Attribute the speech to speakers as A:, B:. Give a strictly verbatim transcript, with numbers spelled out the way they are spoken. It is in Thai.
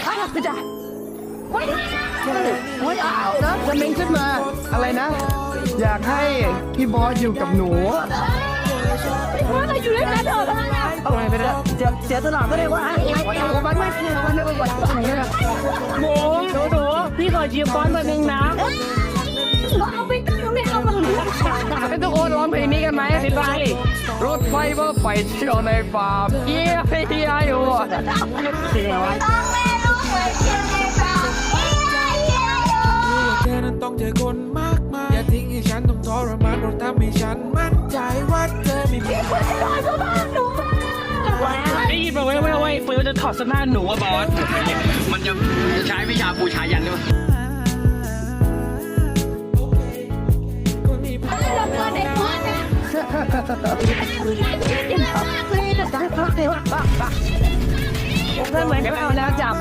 A: ไม่ได้ไม่ได้ไม่เอานะจะเม้งขึ้นมาอะไรนะอยากให้พี่บอสอยู่กับหนู
B: ว่าเราอยู่ด้วยกันเถอะบ้างอะ
A: เอาไงไปแล้วเสียเสียตลาดก็ได้ว่าวันไม่เสียวันไม่วันอะไรเนี่ยหมูหนูหนูพี่ขอจีบบอสมาหนึ่งนะ
B: เอาไปตั้งไม่เอามาหรือ
A: ให้ทุกคนร้องเพลงนี้กันไหมพี่ไปรถไฟว่าไปเที่ยวในฟาร์มเยี่ยเฮียอยู่เสียว
B: ต้องไม่รู้เหมือนเช่นในตา
C: แค่นั้นต้องเจอคนมากมายอย่าทิ้งให้ฉันต้องทรมานเพราะทำให้ฉันมั่นใจว่าเธอไม่มี
B: คนที่นอนก็บ้านหนู
D: ได้ยินมาไว้ไว้ไว้ปืนจะถอดเสื้อผ้าหนูอะบอสมันจะใช้วิชาปูชายันด้วย
B: เราเกิดในบ้านนะ
A: ผมเหมือนจะเอาแล้วจับ